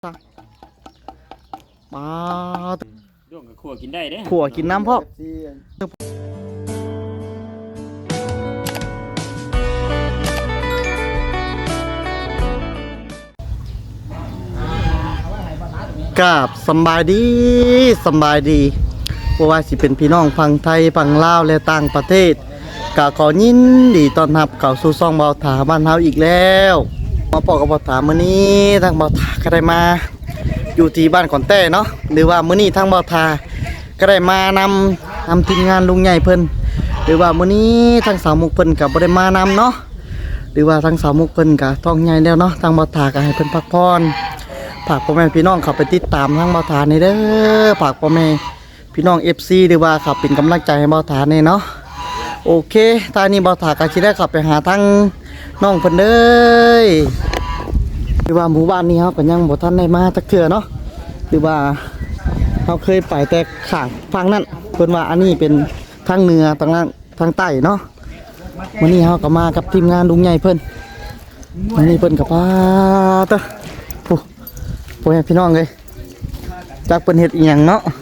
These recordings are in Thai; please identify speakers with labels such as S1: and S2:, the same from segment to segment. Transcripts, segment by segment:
S1: ปลา
S2: ด้วงกับขั่วกินได้เด้
S1: ขั่วกินน้ำพ่อกับสำบายดีเพราะว่าสิเป็นพี่น้องฝั่งไทยฝั่งลาวและต่างประเทศก็ขอยินดีต้อนรับเข้าสู่ช่องเบาถาบ้านเฮาอีกแล้วมาปอกกับเบาถามื้อนี้ทางเบาถาก็ได้มาอยู่ที่บ้านขอนแต้เนาะหรือว่ามื้อนี้ทางเบาถาก็ได้มานำทีมงานลุงใหญ่เพิ่นหรือว่ามื้อนี้ทางสาวมุกเพิ่นก็บ่ได้มานำเนาะหรือว่าทางสาวมุกเพิ่นก็ท้องใหญ่แล้วเนาะทางเบาถาก็ให้เพิ่นพักผ่อนฝากพ่อแม่พี่น้องเข้าไปติดตามทางเบาถานี่เด้อฝากพ่อแม่พี่น้อง FC หรือว่าขับเป็นกำลังใจให้เบาถานี่เนาะโอเคตอนนี้เบาถาก็สิได้ขับไปหาทางน้องเพิ่นเด้อหรือว่าหมู่บ้านนี้เฮาก็ยังบ่ทันได้มาจักเทื่อเนาะหรือว่าเฮาเคยไปแต่ข้างฝั่งนั้นเพิ่นว่าอันนี้เป็นทางเหนือทางล่างทางใต้เนาะมื้อนี้เฮาก็มากับทีมงานลุงใหญ่เพิ่นมื้อนี้เพิ่นก็พาเด้อพ่อแม่พี่น้องเอ้ยจักเพิ่นเฮ็ดอีหยังเนาะ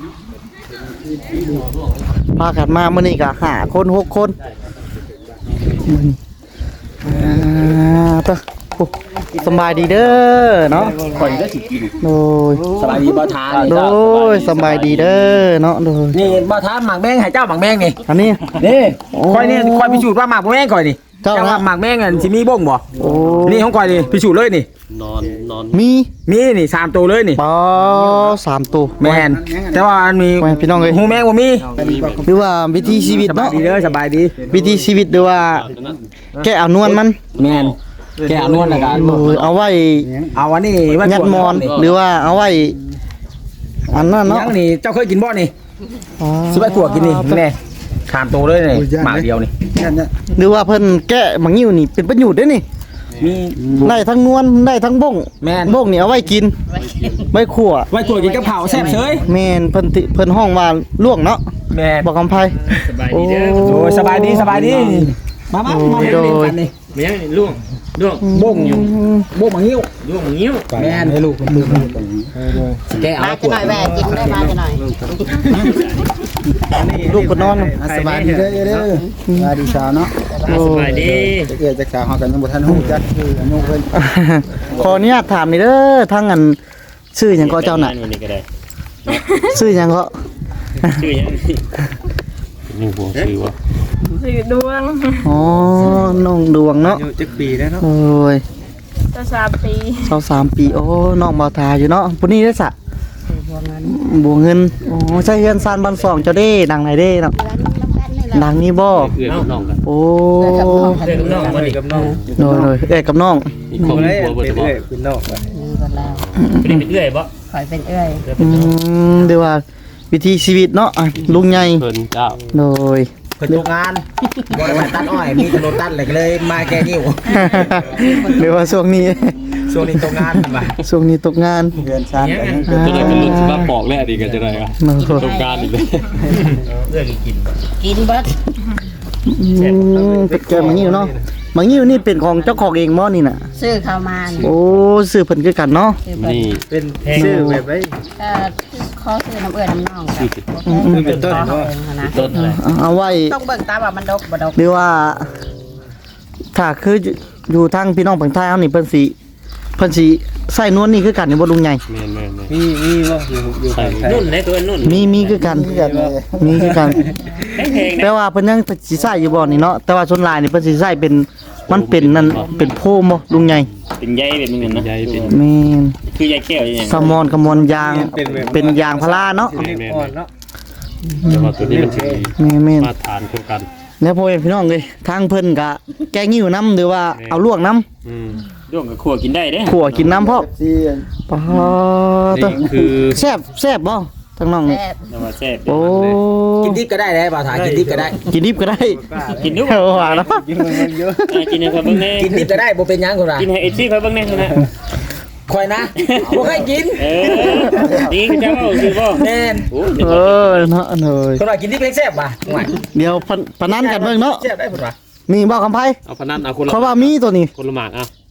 S1: พากันมามื้อนี้ก็5คน6คนสบายดีเด้อเนาะ
S2: ข่อยก็สิกิน
S1: โดย
S2: สบายดีบ่ทาน
S1: โดยสบายดีเด้อเนาะโดย
S3: นี่บ่ทานหมากแมงให้เจ้าหมากแมงนี่
S1: อันนี้
S3: นี่ค่อยนี่ค่อยพิสูจน์ว่าหมากแมงก่อยนี่
S1: เจ้า
S3: ว่าหมากแมงอันสิมีบ่งบ่
S1: โอ้
S3: นี่ของก่อยนี่พิสูจน์เลยนี่
S2: นอน
S1: มี
S3: มีนี่3ตัวเลยนี่
S1: ปอ3ตัว
S3: แม่นแต่ว่ามันมี
S1: แม่นพี่น้องเอ้ย
S3: หูแมงบ่มี
S1: หรือว่าวิธีชีวิต
S3: สบาย
S1: เนาะ
S3: ดีเด้อสบายดี
S1: วิธีชีวิตหรือว่าแก้เอานวลมัน
S3: แม่นแกเอานวลแล้วกัน
S1: โอ้ยเอาไว้
S3: เอาอันนี้
S1: ยัดมอนหรือว่าเอาไว้อันนั้นเนาะ
S3: ยังนี่เจ้าเคยกินบ่นี่
S1: อ๋อ
S3: สิไปขั่วกินนี่แน่3ตัวเลยนี่หมากเดียวนี่
S1: หรือว่าเพิ่นแก้บางนิ้วนี่เป็นประโยชน์เด้อนี่
S3: มี
S1: ได้ทั้งนวลได้ทั้งบ้ง
S3: แม่น
S1: บ้งนี่เอาไว้กินไว้ขั่ว
S3: ไว้ขั่วกินกับข้าวแซ่บเฉย
S1: แม่นเพิ่นห้องว่าล่วงเนาะ
S3: แม่น
S1: บอกคำไพ
S2: สบายดีเด้อ
S3: โอ้ยสบายดีมาเล่นกันนี่
S2: ไม่ยังล่วง
S3: บ่งอยู่บ่งมาหิ้ว
S2: ล่วงงิ้ว
S3: แม่นให้ลูกแกเอา
S4: มาจะหน่อยแหวกินได้มาจะหน่อย
S1: ลูกก็นอน
S5: สบายดีเด้อเด้อสบายดีสาวเนาะ
S2: สบายดี
S5: จะเกิดจากสาวเฮากันยังบ่ทันฮู้จักคืออายุเพิ่น
S1: ขออนุญาตถามนี่เด้อทั้งอันชื่อหยังก็เจ้าน่ะ
S2: นี่ก็ได้
S1: ชื่อหยังก็
S2: ชื่อยังนี่หัวชื่อว่า
S4: สื่อดวง
S1: อ๋อน้องดวงเนาะ
S5: อายุจักปีแล้วเนาะ
S1: โอ้ย
S4: จะ3 ปี
S1: 23ปีโอ้น้องบ่าวทาอยู่เนาะผู้นี้ได้อสะบัวเงินโอ้ใช่เฮือนซานบ้านสองเจ้าเด้ดังไหนเด้เนาะดังนี่บ่
S2: เอื้อกับน้องกัน
S1: โอ้
S2: เอื้อกับน้องบ่นี่
S5: กับน้อง
S1: โดยเอ้ยกับน้อง
S2: อีกคน
S5: บ่ได้
S2: หัวบ่
S5: เป็น
S2: จะบ่
S5: เอ้ยเป็นน้องว่ะ
S2: เป็นเอื้อยบ่
S4: คอยเป็นเอ้ย
S1: เดี๋ยวว่าวิธีชีวิตเนาะอ่ะลุงใหญ่
S2: เพิ่นเจ้า
S1: โดย
S3: เพิ่นตกงานบ่ได้มาตัดอ้อยมีถนนตัดเลยมาแก้นิ้ว
S1: เดี๋ยวว่าช่วงนี้
S3: ช่วงนี้ตกงานบ่
S1: ช่วงนี้ตกงาน
S5: เพื่อนซ่านกันยัง
S2: ตัวนั้นเป็นรุ่นสิบปอกแล้วดีกันจะได้ครับ
S1: โอ้โห
S2: ตรงการอีกเลยเอื้อกิน
S4: กินเบิด
S1: เป็นแกมังงิ้วเนาะมังงิ้วนี่เป็นของเจ้าของเองมั้นี่น่ะ
S4: ซื้อเข้ามานี่
S1: โอ้ซื้อเพิ่นคือกันเนาะ
S4: ซื้อเบิด
S2: นี่
S5: เป็นชื่อแบบไว้
S4: ขอซื้อน้ำเอื้อน้ำน่อง
S5: คือเป็นต้น
S4: ขอ
S5: เนาะ
S4: เองนะ
S2: ต้นอะไร
S1: เอาไว้
S4: ต้องเบิ่งตาว่ามันดกบ่ดก
S1: หรือว่าถ้าคืออยู่ทางพี่น้องฝั่งใต้เฮานี่เพิ่นสิใส่นวลนี่คือกันนี่บ่ลุงใหญ่
S2: แม่น
S5: มีบ่อยู่
S2: ใส่
S5: ฝั่งไทย
S2: นุ่นเลยตัวนุ่น
S1: มีคือกันมีคือกัน
S2: แพงๆ
S1: แต่ว่าเพิ่นยังสิใส่อยู่บ่นี่เนาะแต่ว่าส่วนหลายนี่เพิ่นสิใส่เป็นมันเป็นนั่นเป็นโพมบ่ลุงใหญ่
S2: เป็นใยเป็นเหมือนนะใยเป็น
S1: แม่น
S2: คือใยแก้วอย่าง
S1: สมอนกระมอนยางเป็นยางพาราเนาะ
S5: อ่อนเนาะ
S2: แต่ว่าตัวนี้มันสิ
S1: แม่น
S2: มาทานคู่กัน
S1: แล้วพ่อแม่พี่น้องเอ้ยทางเพิ่นก็แกงหิ้วน้ำหรือว่าเอาลวกน้ำ
S2: ด้วงกับขั่วกินได้เด้
S1: ขั่วกินน้ำพ่อ
S5: ที่
S1: ปะตะ
S2: คือ
S1: แซ่บบ่ทางน้องนี่
S4: แซ่บ
S2: นว่าแซ่บ
S1: โอ้
S3: กินดิบก็ได้เลยบ่าวถ่ายกินดิบก็ได้
S1: กินดิบก็ได้
S2: กินดู
S1: เอาว่าเนาะ
S5: กินมันเยอะ
S2: กินให้เขาเบิ่งแน่
S3: กินดิบก็ได้บ่เป็นหยังคนละ
S2: กินให้เอฟซีเขาเบิ่งแน่นะ
S3: คอยนะบ่เคยกิน
S2: นี่คือเจ้าคือบ่
S3: แน่น
S2: โอ้
S1: เออเนาะเนย
S3: คนว่ากินดิบเองแซ่บว่ะห่วย
S1: เดี๋ยวพนันกันเบิ่งเนาะ
S3: แซ่บได้พุ่นว่ะ
S1: มีบ่คำไผ
S2: เอาพนันเอาคนละ
S1: เขาว่ามีตัวนี้
S2: คนละหมากเอา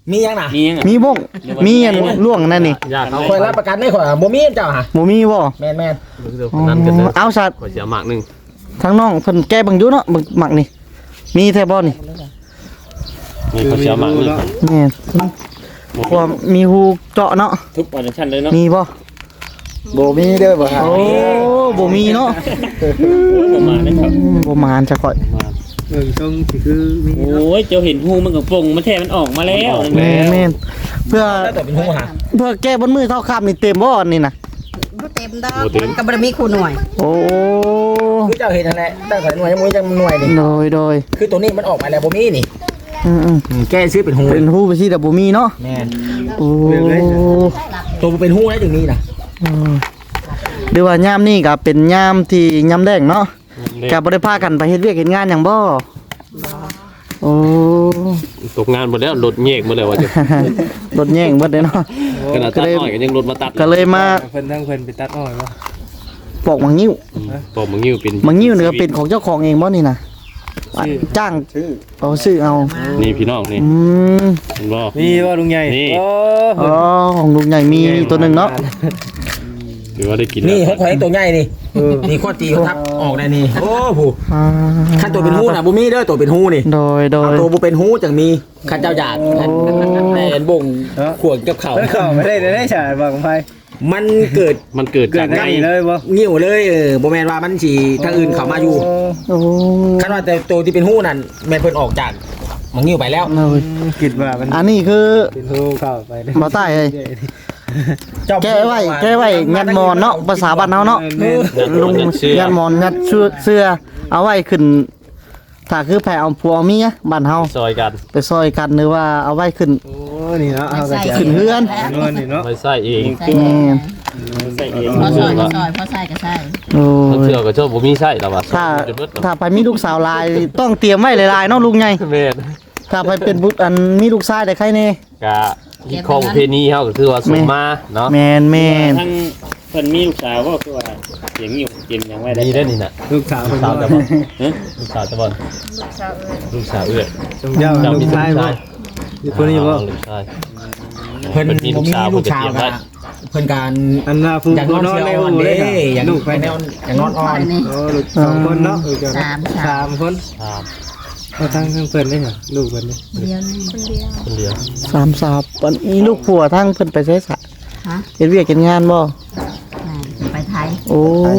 S3: มียังน่ะ
S2: มียัง
S1: มีบ่งมีอันล่วงนั่นนี่
S2: ยากเขา
S3: คอยรับประกันได้ข่อยบ่มีเจ้าฮะ
S1: บ่มีบ่
S3: แม่น
S2: นั่นกันเด้อ
S1: เอาสัตว์
S2: ขอเสียหมากนึง
S1: ทั้งน้องเพิ่นแก้เบังอยู่เนาะเบิ่งหมักนี่มีแท้บ่นี่
S2: นี่ขอเสียหมากนึง
S1: แม่นเพราะว่ามีหูเจาะเนาะ
S2: ทุกออดิชั่นเลยเนาะ
S1: มีบ่
S5: บ่มีเด้อบ่ฮะ
S1: โอ้บ่มีเนาะ
S2: ประมาณนั้นครับ
S1: บ่มานจะค่อย
S5: เบิ่งทรงสิคือมี
S2: โอ้ยเจ้าเห็นหูมันกับปงมันแท้มันออกมาแล้ว
S1: แม่นแม่นเพื่อ
S3: แล้วตัวเป็นหูฮะ
S1: เพื่อแก้บนมือเท่าคำนี่เต็มบ่อันนี่น่ะ
S4: บ่เต็มดอกมันก็บ่ได้มีคู่หน่วย
S1: โอ้
S3: คือเจ้าเห็นนั่นแหละแต่ข่อยหน่วยยังบ่มีจังหน่วยนี่
S1: โดย
S3: คือตัวนี้มันออกมาแล้วบ่มีนี่
S1: อืม
S3: แก้ซื้อเป็นหู
S1: เป็นหูไปสิแต่บ่มีเนาะ
S3: แม่น
S1: โอ้
S3: ตัวเป็นหูได้ถึงนี้น่ะ
S1: หรือว่ายามนี่ก็เป็นยามที่ยามแดงเนาะก็บ่ได้พากันไปเฮ็ดเวียกเฮ็ดงานหยังบ่โอ้
S2: ตกงานหมดแล้วรถแยกหมดแล้วว่าจะ
S1: รถแย่งเบิดเลยเนาะ
S2: ขนาดตัดอ้อยก็ยังรถมาตัด
S1: ก็เลยมา
S5: เพิ่นทั้งเพิ่นไปตัดอ้อยบ่
S1: ปอกมังงิ้ว
S2: ปอมึงยิ้วเป็น
S1: มังงิ้วนี่ก็เป็นของเจ้าของเองบ่นี่น่ะจ้างเอาซื้อเอา
S2: นี่พี่น้องนี่
S1: อืม
S2: เห็นบ่
S5: มีบ่ลุงใหญ่
S2: นี่
S5: โอ้
S1: อ๋อของลุงใหญ่มีตัวหนึงเนาะ
S2: ถือว่าได้กิน
S3: นี่
S2: แล้ว
S3: ของข่อยตัวใหญ่นี่นี่ข้อตีเขาทับออกได้นี่โอ้โห
S1: อ่า
S3: คันตัวเป็นหูน่ะบ่มีเด้อตัวเป็นหูนี่
S1: โดย
S3: เอาตัวบ่เป็นหูจังมีคันเจ้าอยากแต่อันบ่งขวดกับเขา
S5: เข้าไม่ได้ได้ฉาดบ่ของไผ
S3: มันเกิด
S2: มันเกิด
S5: เกิ
S2: จา
S5: ด
S2: ก
S5: ได้
S2: ไง
S5: เลยบ่
S3: งิ้วเลยบ่แม่นว่ามันสิทางอื่นเข้ามาอยู่
S1: โอ้
S3: คันว่าแต่ตัวที่เป็นหูนั่นแม่นเพิ่นออกจากหมองงิ้วไปแล้ว
S1: โดย
S5: คิดว่ามัน
S1: อันนี้คือ
S5: เป็นหูเข้าไปเด้อ
S1: บ่ใต้เอ้ย
S3: เจ้า
S1: แก้ไว้งัดมอนเนาะภาษาบ้านเฮาเนาะ ลุงยันหมอนยัดเสื้อเอาไว้ขึ้นถ้าคือแผ่เอาผัวเมียบ้านเฮา
S2: ซอยกัน
S1: ไปซอยกันหรือว่าเอาไว้ขึ้น
S5: โอ้นี่เนาะเอาก็จะ
S1: ขึ้นเฮือน
S5: นวลนี่เนาะ
S2: ไม่ใส่เอง
S1: แม่น
S2: ใส่เอง
S4: พอซอยก็ซอยพอใส่ก็ใส่
S1: โอ้
S2: มัน
S1: ย
S2: เชื่อก็ชอบบ่มีใส่แล้วว่า
S1: ถ้าไปมีลูกสาวหลายต้องเตรียมไว้หลายๆเนาะลุงใหญ่
S2: แม่น
S1: ถ้าไปเป็นบุตรอันมีลูกชายได้ใครแน่
S2: กะที่ข้อประเพณีเฮาก็คือว่าสมมาเนาะ
S1: แม่น
S6: ทั้งเพิ่นมีลูกสาวก็คือว่าเสียงอยู่เกมยังไว้ได้
S2: มีได้อนี่น่ะ
S5: ลูกสาว
S2: ลูกสาวจะบ่ลูกสาวจะบ่ลูกสาวเอื้อย
S5: สมเจ้าลูกชายบ่คนนี้บ่
S2: ลูกชาย
S3: เพิ่น
S2: มีลูกสาว
S3: ลูกสาว
S2: เพิ่นจะเตรียมไว้
S3: เพิ่นการ
S5: อันน่าฟู
S3: อยากนอน
S5: นอน
S3: เชี
S5: ใน
S3: ยว
S5: อู่
S3: อ่อน
S5: เล
S3: เด้
S5: ย
S3: อยาก
S5: ลูกไป
S3: ไปแนวอยากนอนอ่อน
S5: โอ้ลูกสองคนเนาะลูกเจ้า
S4: สาม
S5: 3คน
S2: ครับ
S5: เอาทั้งเพิ่นได้เหรอลูกเพิ่นนี่
S4: เดียวนี่
S2: คนเดียว
S1: สามสาวปันมีลูกผัวทั้งเพิ่นไปใช้สะ
S4: ฮะ
S1: เฮ็ดเวียกเฮ็ดงานบ่
S4: ไปไทย
S1: โอ้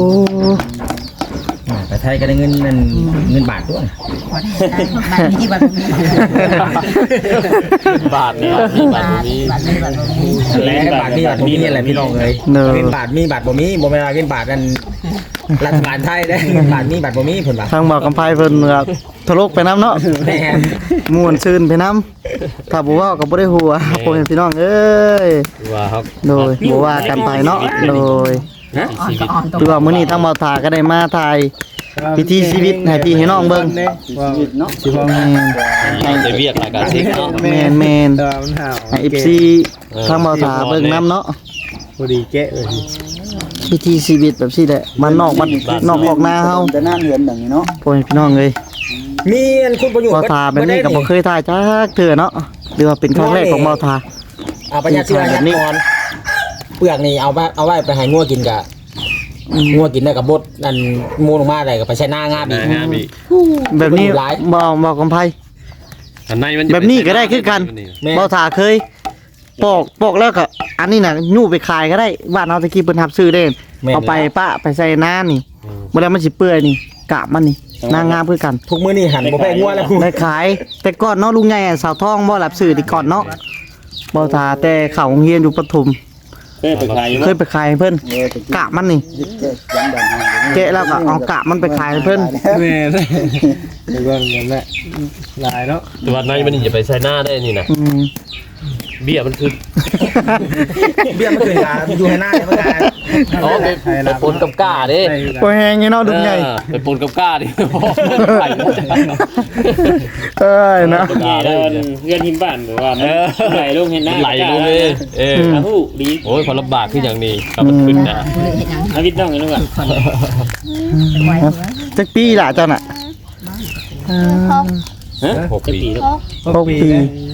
S3: ไปไทยก็ได้เงินนั่นเงินบาทด้วย
S4: พอได้บัตรนี้บัตรนี้
S2: บาทเนี่ยมีบาทบ่มี
S4: บัตรนี้บัตรนี้
S3: และบาทมีบาทบ่มีนี่แหละพี่น้องเอ้ยเงินบาทมีบาทบ่มีบ่แม่นว่าเงินบาทนั่นรัฐบาลไทยได้เงินบาทมีบาทบ่มีเพิ่นว่า
S1: ทางบอกกำไพเพิ่นก็ทะลกไปน้ำเนาะ
S3: แม่น
S1: ม่วนซื่นไปน้ำถ้าบ่เว้าก็บ่ได้หัวพ่อแม่พี่น้องเอ้ย
S2: ว่าครับ
S1: โดยบ่ว่ากันไปเนาะโดย
S2: ฮะชีวิต
S1: คือว่ามื้อนี้ทางบ่าวถาก็ได้มาถ่าย พิธีชีวิตให้พี่ให้น้องเบิ่ง
S5: ชีวิตเนาะสิบ่
S1: แม่น
S2: เราจะเรียกรายการเช็คเนาะ
S1: แม่นแม่น
S5: ตัวมันห่าว
S1: ให้ FC ทางบ่าวถาเบิ่งน้ำเนาะ
S5: พอดีแกะเลย
S1: พิธีชีวิตแบบซี่แหละมันนอกออกหน้าเฮา
S5: แต่หน้าเหือนอย่างนี้เนาะ
S1: พ่อแม่พี่น้องเอ้ย
S3: มีอันคุณประโยชน์
S1: บ่าวถาแบบนี้ก็บ่เคยถ่ายจักเทื่อเนาะหรือว่าเป็นครั้งแรกของบ่าวถา
S3: เอาไปยัดเสื้อยัดนอนเปลือกนี่เอาไว้ไปให้งัวกินกะงัวกินได้กับบดนั่นมูลงมาได้ก็ไปใช้หน้างาบอีก
S2: งามอีก
S1: แบบนี้
S3: หลาย
S1: บ่กำไพ
S2: อันในมัน
S1: แบบนี้ก็ได้คือกัน
S3: แม่
S1: บ่ถาเคยปอกแล้วก็อันนี้น่ะยู่ไปขายก็ได้บ้านเฮาตะกี้เพิ่นรับซื้อได้เอาไปปะไปใส่น้านี่บ่แล้วมันสิเปื่อยนี่กาบมันนี่นางงามคือกัน
S3: ทุกมื้อนี่หันบ่แพ้งัวแล้วคุณ
S1: ได้ขายแต่ก่อนเนาะลุงใหญ่อะสาวทองบ่รับซื้อที่ก่อนเนาะบ่ถาแต่เข้าโรงเรียนอยู่ปทุม
S6: เคยไปขายอยู่
S1: เคยไปขายให้เพิ่นกาบมันนี่แกะแล้วก็เอากาบมันไปขายให้เพิ่น
S5: แม่ได้เดี๋ยวก่อนกันแหละหลายเนาะ
S2: แต่ว่าในมันอย่าไปใช้หน้าได้นี่นะ
S1: อืม
S2: เบี้ยมันคือ
S3: เบี้ยมันขึ้นกาอยู่ให้หน้าเนี่ยมันกา
S2: อ๋อไปปนกับก้าเด้
S1: บ่แฮงอยู่เนาะลุงใหญ่
S2: ไปปนกับก้าดิไป
S1: เอ้ยนะ
S6: แง่แล้วเพื่อนหิมบ้านหรือว่ามันไหลลงเห็นหน้า
S2: ไหลลงเลยเออ
S6: อาหูดี
S2: โอ้ยพอลำบากขึ้นอย่างนี้กับมันขึ้นนะ
S4: ผู้เห็นยัง
S6: อาวิทย์น้องกันด้วย
S4: ไว้
S1: จักปีล่ะเจ้าน่ะ
S6: ฮะ
S2: 6 ปี
S6: แล้ว
S1: 6 ปี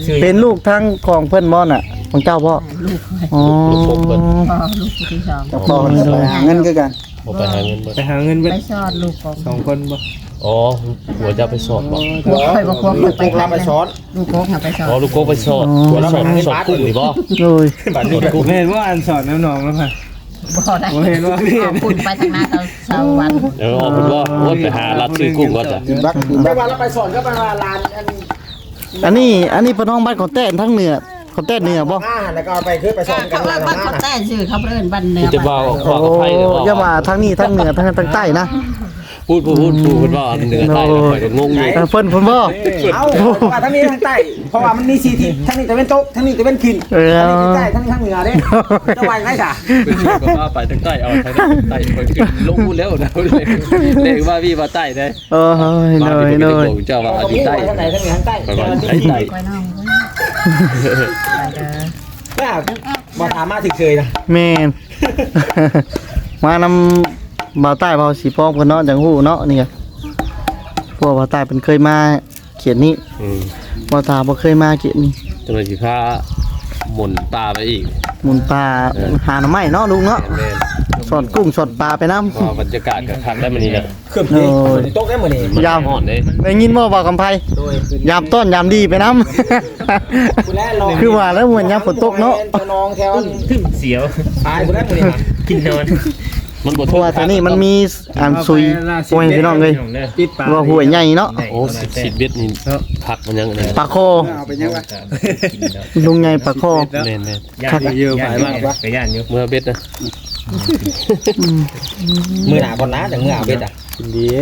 S1: เป็นลูกทั้งของเพิ่นบ่น่ะของเจ้าบ่
S4: ลูก
S1: อ๋อ
S2: ลูกผมเพิ่น
S4: พ่อลูกผู้ที่สอง
S5: พ่อไปหาเงินคือกัน
S2: บ่ไปหาเงินเบิด
S5: ไปหาเงินเบิด
S4: ไปสอนลูกของ
S5: 2คนบ่
S2: อ๋อหัวจะไปสอบบ่
S4: ลูกเคยบอกว่า
S3: ลูก
S4: ไป
S3: พาไปสอน
S4: ลูกโค้งไปสอน
S2: อ๋อลูกโกไปสอบหัวสอบสอบกุ้งนี่บ่
S1: โอ้ย
S3: บัดนี้
S5: กูเห็นว่าอันสอนน้องๆแล้วค่ะ
S4: บ่ได้
S5: ผมเห็นว่าพี่
S4: เอาคุณไปทางหน้าเตาเสาวัน
S2: เออเพิ่นว่าโอ้ยไปหารับซื้อกุ้งก่อนจ้ะ
S3: ไปว่าเราไปสอนก็ไปว่าลานอัน
S1: อันนี้เป็นห้องบ้านของแต้นทั้งเหนือของแต้นเหนือบ่
S3: แล้วก็ไปคือไปสอนกัน
S4: เขาเอิ้นบ้านเขาแต่ชื่อเขาเอิ้นบ้านเหนือ
S2: จะว่าขอ
S1: โอ้
S2: อภัยเด้อ
S1: อย่ามาทั้งนี้ทั้งเหนือทั้งใต้นะ
S2: พูดเพิ่นว่าเหนือใต้แล้วข่อยก็งงอยู่
S1: เพิ่นบ่
S3: เอาว่าทั้งนี้ทั้งใต้เพราะว่ามันมี4ทิศทั้งนี้ตะเวนตกทั้งนี้ตะเวนขึ้น
S1: เออ
S3: ทั้งนี้ใต้ทั้งนี้ทางเหนือเด้จะว่าไงจ้ะ
S2: เป็นชื่อก็ว่าไปทางใต้เอาทางใต้ข่อยขึ้นลงพูดแล้วนะเลขว่าพี่ว่าใต้ได้
S1: เออเฮ้ย
S2: บ้าน
S1: เน
S2: พี่
S1: ย
S2: ก็
S1: เน
S2: ไม่ได้
S1: ย
S2: บอกเจ้าว่าอธิใต้
S3: ทางไหนทางนี้ทางใต้
S2: ไปว่าใต้ใต้
S4: ไปน้องไปเด้อ
S3: น่าบ่ถามมาถึงเคยนะ
S1: แม่น มานำบ่าวใต้บ่าวสีพองเพิ่นเนาะจังฮู้เนาะนี่ก็พวกบ่าวใต้เพิ่นเคยมาเขียนนี้
S2: อืม
S1: บ่าวตาบ่เคยมาเขียนนี้
S2: จังเลยสิพาหมุนตาไปอีก
S1: หมุนปลาหาหน่อไม้เนาะลุงเนาะ
S2: แม่น
S1: สอนกุ้งสอนปลาไปน้
S2: ว่าบรรยากาศกับคักได้มื้อนี้นะ
S3: ขึ้นนี่ขึ้นตกได้มื้อนี้
S2: มันฮ้อนเด้
S1: ำได้ยินบ่บ่าวกำไพ
S3: โดย
S1: ยามต้อนยามดีไปน้
S3: คุณแลรอ
S1: ำ คือว่าแล้วเหมือนยามฝนตกเนาะ
S3: เจ้าน้องแถว
S6: ทึ่งเสียว
S3: ตายคุณแลมื้อนี้
S6: กินนอน
S2: มันบ่
S1: เพราะว่าแถวนี้มันมีอันซุยโอ้ยพี่น้องเลย
S5: ปิดปาก
S1: ว่าหัวยใหญ่เนาะ
S2: โอ้10เบ็ดนี่ผักมันยังอันนั้น
S1: ปลาโค
S5: เอาไปยังวะ
S1: ลุงใหญ่ปลาโค
S2: แม่น
S6: ย่านเยอะไปมากไปย่านอยู่
S2: ๆเมื่อเบ็ดนะ
S3: มื้อหน้าบ่นะจังมื้อเอาเบ็ดอ่ะ
S5: กินดี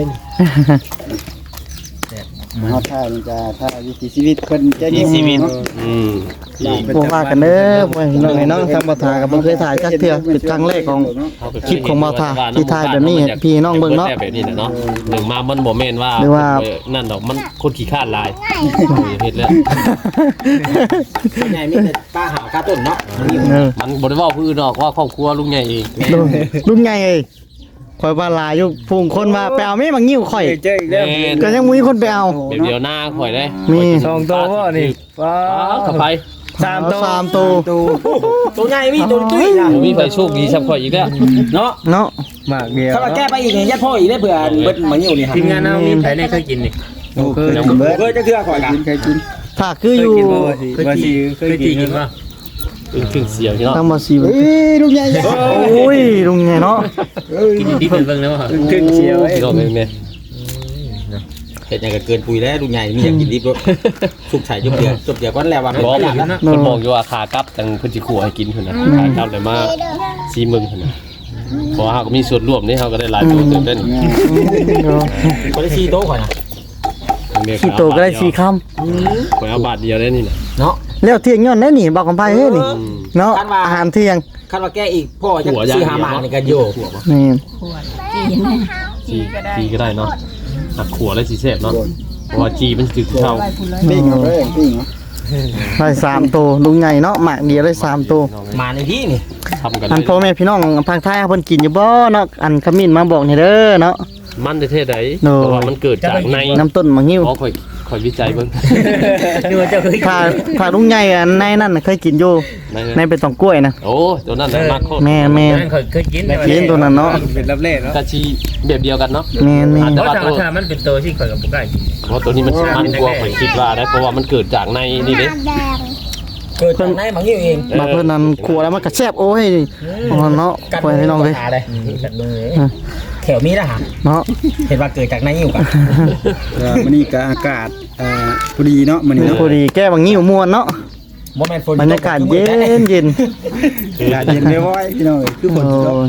S5: เฮาถ้ามันจะถ้าวิถีชีวิตเพิ่นจะยิ่งชีวิต
S2: อืม
S1: บ่ว่ากันเด้อพ่อพี่น้องไอ้น้องทางบ่าวทาก็บ่เคยถ่ายจักเทื่อเป็นครั้งแรกของ คลิปของบ่าวทาที่ถ่ายแบบนี้ให้พี่น้องเบิ่งเนาะ
S2: แบบนี้นะเนาะหนึ่งมามันบ่แม่นว่า
S1: หรือว่า
S2: นั่นดอกมันคนขี้คร้านหลายเฮ็ดแล้ว
S3: ส่วนใหญ่มีแต่ป้าหาข้าวต้นเนาะมันอยู่
S1: เออ
S2: มันบ่ได้เว้าผู้อื่นดอกว่าครอบครัวลุงใหญ่เอง
S1: ลุงใหญ่เอ้ยข่อยว่าหลายอยู่พุงคนมาไปเอาแม่มางิ้วข่อย
S5: เจออีกแล้ว
S1: ก็ยังมีคนไปเอา
S2: เดี๋ยวหน้าข่อยได้
S1: มี
S5: สองตัวบ่นี่ว้า
S2: ขับไป
S5: สามตัว
S1: สามตัว
S3: ตัวใหญ่มีตัวตุ้ยนะ
S2: มีไฟโชคดีซับข่อยอีกแล้ว
S3: เนาะ
S1: เนาะ
S5: หมากเดียว
S3: ถ้ามาแก้ไปอีกเนี่ยยัดพ่ออีกได้เผื่อเบิดมาอยู่นี่ครับ
S6: ทีมงานเรามีใครได้เคยกินนี่
S5: เคยกินเบิด
S3: เคยจะเทื่อข่อยกัน
S5: เคยกิน
S1: ถ้าคืออยู่
S5: ว่าสิ
S6: เคยกินป่ะ
S2: ถึงเสียวเนาะ
S1: ทางบ่สิ
S5: เอ้ยลูกใหญ่
S1: โอ้ยลุงใหญ่เนาะ
S6: กินดิบเป็นเบิ่งแล้วเหรอ
S5: ขึ้นเชียวเอ้ย
S2: พี่น้องแม่
S3: เห็ดอย่างกับเกินปุยแล้วลุงใหญ่มีอยากกินดิบด้วยสุกใส่จบเดียวก้อนแล้วว่าไม่
S2: บอก
S3: ได้แล้วนะ
S2: เพิ่นบอกอยู่ว่าขากลับจังเพิ่นสิขัวให้กินเพิ่นน่ะขากลับเลยมา4มึงเพิ่นน่ะเพราะว่าเฮาก็มีส่วนร่วมนี่เฮาก็ได้หลายตัวเติบได้นี่
S3: คนได้ชี้โต๊ะข่อยนะ
S1: ขี้โตก็ได้4คำ
S2: ข่อยเอาบาทเดียวได้นี่น่ะ
S3: เนาะ
S1: แล้วเที่ยงย้อนได้นี่บอกกันไปเฮ้ยนี่เนาะ
S3: คันว่า
S1: อาหารเที่ยง
S3: คันว่าแก้อีกพ่อจะซื้อหาหมาในกันโย
S1: นี่
S4: ขวดกิน
S2: จีก็ได้เนาะหักขัวแล้วสิแซ่บเนาะเพราะว่าจีมันคือเท่า
S4: ไปพูดเลย
S5: ปิ้งเอาเลยปิ้งเอา
S1: ได้3ตัวลุงใหญ่เนาะหมากเดียวได้3ตัว
S3: หมาในที่นี่
S2: ทำกัน
S1: อันพ่อแม่พี่น้องภาคใต้เพิ่นกินอยู่บ่เนาะอันขมิ้นมาบอกนี่เด้อเนาะ
S2: มันเท่ๆใด
S1: โน่
S2: เพราะว่ามันเกิดจากใน
S1: น้ำต้นมะงิ้ว
S2: อ๋อข่อยวิจัยเบิ่ง
S6: ดูว่าเจ้าเคยกิน
S1: ถ้าลุงใหญ่อันในนั่นน่ะเคยกินอยู่
S2: ใน
S1: ในเป็นตองกล้วยนะ
S2: โอ้ตัวนั้นน่ะมากโคตร
S1: แม่แม่
S6: นั่นเคยกิน
S1: กินตัวนั้นเนาะ
S5: เป็นรับเล่เนาะ
S2: กะชีแบบเดียวกันเนาะ
S1: แม่แม่
S2: อาจ
S6: เพ
S2: จะ
S6: ราะ
S2: ว่าตัว
S6: ถ้ามันเป็นตัวที่ข่อยกับบุกได้กิน
S2: เพราะตัวนี้มันมันกลัวข่อยคิดว่าได้เพราะว่ามันเกิดจากในนี่เด้
S3: เกิดจากไหนหมาอยู่เอง
S1: บาเพิ่นนั้นครัวแล้วมันก็แซ่บโอ้ยเนาะพ่อแม่พี่น้องเลย
S6: กันเลย
S3: แถวมีนะฮะ
S1: เนาะ
S3: เห็นว่าเกิดจากไหนอยู่กัน
S5: มื้อนี้ก็อากาศพอดีเนาะมื้อนี้เนาะ
S1: พอดีแก้บางงิ้วม่วนเนาะ
S3: โมเมนต์ฝน
S1: บรรยากาศเย็นเย็น
S5: อากาศเย็นไม่ไหวพี่น้องเอ้ยคือฝนตก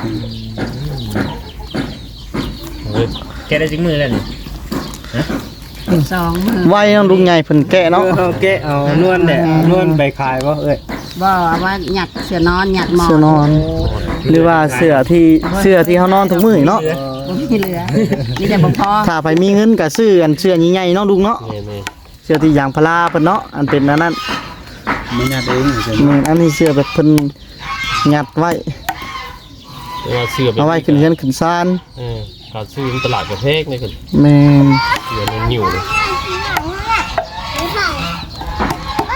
S1: โอ้ย
S6: แกได้จิ้งมือแล้วนี่
S4: 2 มื้อ
S1: ไว้เนาะลุงใหญ่เพิ่นแกะเนาะ
S5: เอาแกะเอานวลเนี่ยนวลไปขายบ่เอ้ย
S4: บ่เอาว่าหยัดเสือนอนหยัดหมอน
S1: เสื้อนอน หรือว่าเสื้อที่เฮานอนทุกมื้อเนาะ
S4: บ่มีเหลือมีแต่บ่พอ
S1: ถ้าไปมีเงินก็ซื้ออันเสื้อใหญ่ๆเนาะลุงเนาะ
S2: แม่
S1: เสื้อที่ยางพาราเพิ่นเนาะอันเป็นอันนั้น
S5: มันยากเองใช่ไหม
S1: อันนี้เสื้อแบบเพิ่นยัดไว้
S2: ๆว่าเสื้อแบบ
S1: เอาไว้ขึ้นเรือนขึ้นศาล
S2: การซื้อตลาดประเทศนี่คือ
S1: แม่น
S2: เสื้อมันหิวเลย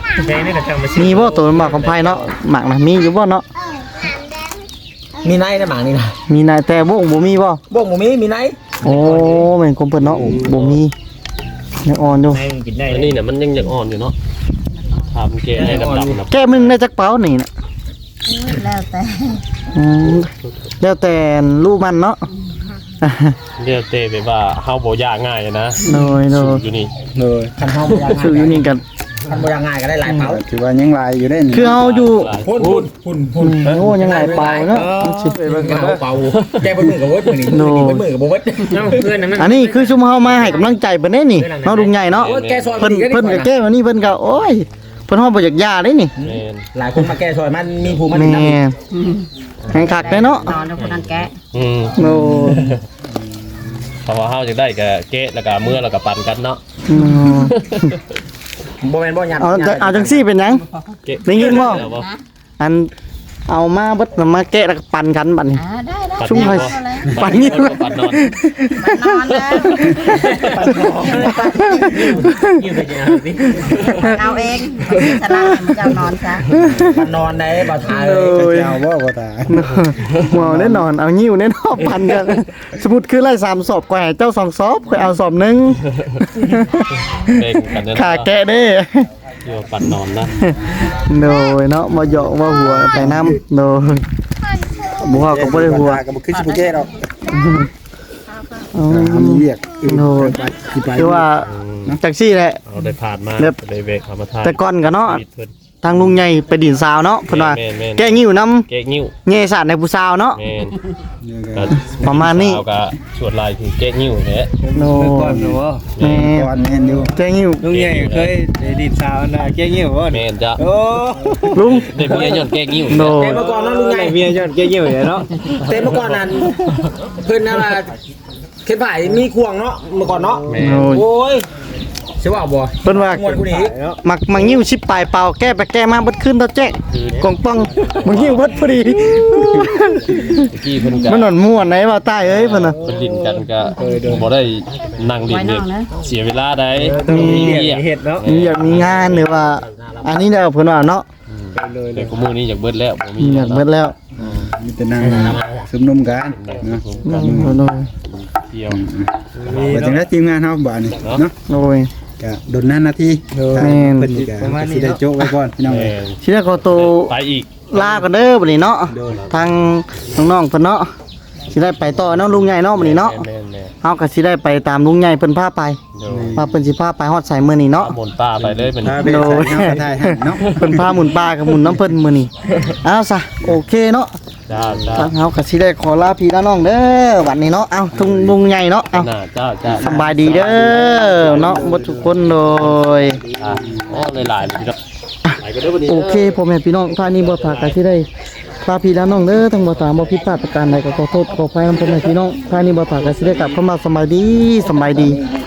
S6: แดงนี่ก็จังมาซื้อ
S1: มีบ่ตัวหมากของไผเนาะหมากน่ะมีอยู่บ่เนาะ
S3: มีไนในหมางนี่นะ
S1: มีนายแต่บ่งบ่มีบ่
S3: บ่งบ่มีไน
S1: โอ้แม่นกลมเพิ่นเนาะบ่มียังอ่อนอยู่
S6: ให้มันกินได้
S2: อันนี้น่ะมันยังอ่อนอยู่เนาะทำเกณฑ์ให้ดำๆนะ
S1: แก้มึงได้จักเป๋านี่น่ะ
S4: แล้วแต่
S1: อืมแล้วแต่รูปมันเนาะ
S2: เรียกเต้ไปว่าเฮาบ่ยากง่ายนะ
S1: โดย
S2: อยู่นี่
S5: เลย
S3: คันเฮาบ่อยาก
S1: คืออยู่นี่กัน
S3: คันบ่อยากง่ายก็ได้หลายเป๋า
S5: ถือว่ายังลายอยู่ได้นี่
S1: คือเฮาอยู่
S3: พุ่น
S1: โอ้ยังหลายเป๋าเนาะสิ
S3: เป๋าแกเป็นมือกับเวิร์ดมือนี่เป็นมือกับบ่เวิร์ด
S6: เนาะเพื่อนนั่นมัน
S1: อันนี้คือชุมเฮามาให้กำลังใจเพิ่นเด้นี่เฮาลุงใหญ่เนาะ
S3: แกซอย
S1: เพิ่นก็แก้วันนี้เพิ่นก็โอ้ยเพิ่นเฮาบ่อยากยาได้นี่
S2: แม่น
S3: หลายคนมาแกซอยมันมีภูมิมัน
S1: แม่
S3: นำ
S1: แข่งขักได้เนาะ
S4: นอนแล้วคนนั้นแกะ
S2: อืม
S1: โอ้
S2: เพราะว่าเฮาจะได้ก็เกะแล้วก็เมื่อแล้วก็ปั่นกันเนาะ
S1: อืม
S3: บ่แม่นบ่ยัน
S1: เอาจังซี่เป็นหยัง
S2: เกะ
S1: ได้ยินบ่
S2: แล้วบ่
S1: อันเอามาเบิดมาแกะแล้วก็ปั่นกันบัดนี้
S4: ได้
S2: ปั่น
S1: ชุ่ม
S2: นี่
S1: ไฟ
S2: บ่
S1: ปั่นนี่
S2: ปั่นนอน
S4: นอนแล้ว
S6: ยืมไปกินเอาสิ
S4: เอาเองสลามันจะนอนซะ
S3: มันนอนได้บ่ทาย
S5: เจ้าบ่บ่ตา
S1: หมอแน่นอนเอานิ้วแน่นอนปั่นกันสมมุติคือไล่3ศพกว่าให้เจ้า2ศพข่อยเอาศพนึง
S2: เบ่งกันเนาะ
S1: ขาแกะเด้
S2: อยู่ปั่นนอนนะ
S1: โดยเนาะมาเหยาะมาหัวไปน้ำโดยบัวก็บ่ได้หัว
S5: ก็บ่คือสิบ่แก้ดอก
S1: อ๋อ
S5: มีเวียก
S1: โดย
S5: สิไป
S1: คือว่าจังซี่แหละ
S2: เอาได้ผ่านมา
S1: เรียบ
S2: ได้เวกเข้ามาทาน
S1: แต่ก่อนก็เนาะ
S2: ชีวิตเพิ่น
S1: ทางลุงใหญ่ไปดินสาวเนาะเพิ่นว่า
S2: แม่นๆ
S1: แก้งิ้วน้
S2: เกะนิ้ว
S1: ำแง่สาดในผู้สาวเนาะ
S2: แม่นก็
S1: ประมาณนี้
S2: สวก็ชวดลายคือเกะนิ้วแหละ
S1: โน
S5: ก่อนหนูบ่
S1: แม่
S5: ก่อนแม่นอยู่
S1: แก้งิ้ว
S5: ลุงใหญ่เคยได้ดินสาวน่ะแก้เงี้ยวบ่
S2: แม่นจ้ะ
S5: โอ้
S1: ลุง
S2: ได้เมียย้อนเกะนิ้ว
S1: โน
S3: แต่เมื่อก่อนนั้นลุงไง
S5: เมียย้อนแก้เงี้ยวเนาะ
S3: แต่เมื่อก่อนนั้นเพิ่นน่ะว่าเข็นผ่ายมีควงเนาะเมื่อก่อนเนาะ
S2: แม่น
S1: โน
S3: โอ้ยสิว่าบ่
S1: เพิ่นว่า
S3: ม่วนกูนี่
S1: มักงิ้วชิบปลายเป่าแก้ไปแก้มาเบิดขึ้นเท่าแจ๊กกองป้องมังิ้วเบิดพอดี
S2: ตะกี้เพิ่นก็
S1: มันหนอนม่วนไหนว่าใต้เอ้ยเพิ่นน่ะ
S2: เพิ่นลิ้นกันก็บ่ได้นั่งลิ้นเนี่ยเสียเวลาได้
S1: มี
S2: เหี้ย
S5: เฮ็ดเนาะ
S1: มีอยากมีงานหรือว่า อันนี้เด้อเพิ่นว่าเนาะ
S2: แต่กูมื้อนี้อยากเบิดแล้วบ่มี
S1: อยากเบิดแล้ว
S5: มีแต่นั่งซุมนุมกันเนาะ
S1: โน
S2: เที่ยว
S5: ว่าจังได๋ทีมงานเฮาบ้านนี่เนาะ
S1: โอ้ย
S5: ก็โดนนาที
S1: แม่น
S5: เพิ่นก็สิได้โจ๊กไว้ก่อนพี่น้อง
S2: แม่
S5: เอ้ย
S2: น
S1: ทีแรกเขาโต
S2: ไปอีก
S1: ลากันเด้อบัดนี้เนาะทางน้องๆเพิ่นเนาะสิได้ไปต่อเนาะลุงใหญ่เนาะบัดนี้เนาะ
S2: แม่น
S1: เฮาก็สิได้ไปตามลุงใหญ่เพิ่นพาไป
S2: ๆเดี๋ยว
S1: ว่าเพิ่นสิพาไปฮอดไสมื้อนี้เนาะ
S2: หมุนป้าไปเลยเป็น
S5: พาไปใส่เนาะกระทายให้เนาะ
S1: เพิ่นพาหมุนป่ากับหมุนน้ำเพิ่นมื้อนี้เอาซะโอเคเนาะ
S2: จ้าจ้า
S1: ทางเฮาก็สิได้ขอลาพี่ลาน้องเด้อวันนี้เนาะเอาทุงลุงใหญ่เนาะเอา
S2: น่าจ้าจ้า
S1: สบายดีเด้อเนาะบ่ทุกคนโดย
S2: อ่ะโอ้หลายๆพี่น้องหลายก็เด้อวันนี้
S1: โอเคพ่อแม่พี่น้องท่านี้บ่ถากก็สิได้ลาพี่ลาน้องเด้อทั้งบ่ตามบ่ผิดพลาดประการใดก็ขอโทษขออภัยนำพ่อแม่พี่น้องท่านี้บ่ถากก็สิได้กลับเข้ามาสบายดี